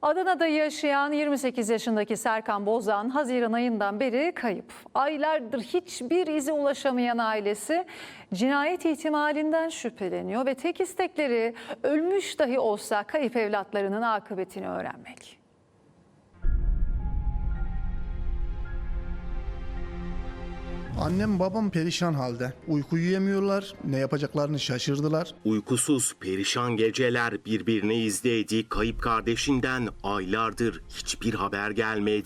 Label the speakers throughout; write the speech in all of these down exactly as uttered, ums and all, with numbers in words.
Speaker 1: Adana'da yaşayan yirmi sekiz yaşındaki Serkan Bozan Haziran ayından beri kayıp. Aylardır hiçbir ize ulaşamayan ailesi cinayet ihtimalinden şüpheleniyor ve tek istekleri ölmüş dahi olsa kayıp evlatlarının akıbetini öğrenmek.
Speaker 2: Annem babam perişan halde. Uyku yiyemiyorlar, ne yapacaklarını şaşırdılar.
Speaker 3: Uykusuz, perişan geceler birbirine izledi. Kayıp kardeşinden aylardır hiçbir haber gelmedi.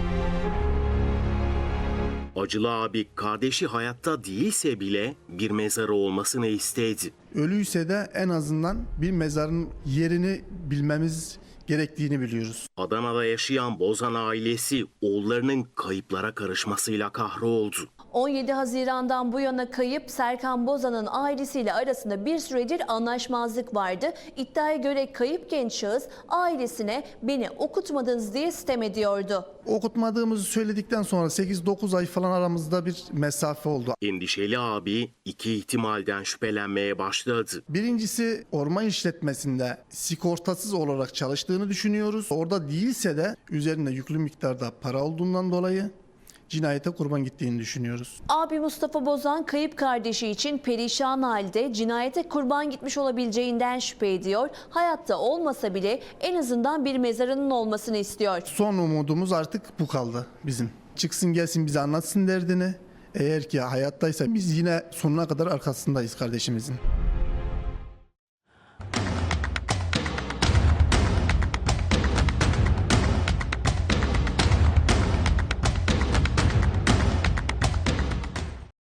Speaker 3: Acılı abi kardeşi hayatta değilse bile bir mezarı olmasını istedi.
Speaker 2: Ölüyse de en azından bir mezarın yerini bilmemiz gerektiğini biliyoruz.
Speaker 3: Adana'da yaşayan Bozan ailesi oğullarının kayıplara karışmasıyla kahroldu.
Speaker 4: on yedi Haziran'dan bu yana kayıp Serkan Bozan'ın ailesiyle arasında bir süredir anlaşmazlık vardı. İddiaya göre kayıp genç şahıs ailesine beni okutmadınız diye sitem ediyordu.
Speaker 2: Okutmadığımızı söyledikten sonra sekiz dokuz ay falan aramızda bir mesafe oldu.
Speaker 3: Endişeli abi iki ihtimalden şüphelenmeye başladı.
Speaker 2: Birincisi orman işletmesinde sigortasız olarak çalıştığını düşünüyoruz. Orada değilse de üzerinde yüklü miktarda para olduğundan dolayı cinayete kurban gittiğini düşünüyoruz.
Speaker 4: Abi Mustafa Bozan kayıp kardeşi için perişan halde cinayete kurban gitmiş olabileceğinden şüphe ediyor. Hayatta olmasa bile en azından bir mezarının olmasını istiyor.
Speaker 2: Son umudumuz artık bu kaldı bizim. Çıksın gelsin bize anlatsın derdini. Eğer ki hayattaysa biz yine sonuna kadar arkasındayız kardeşimizin.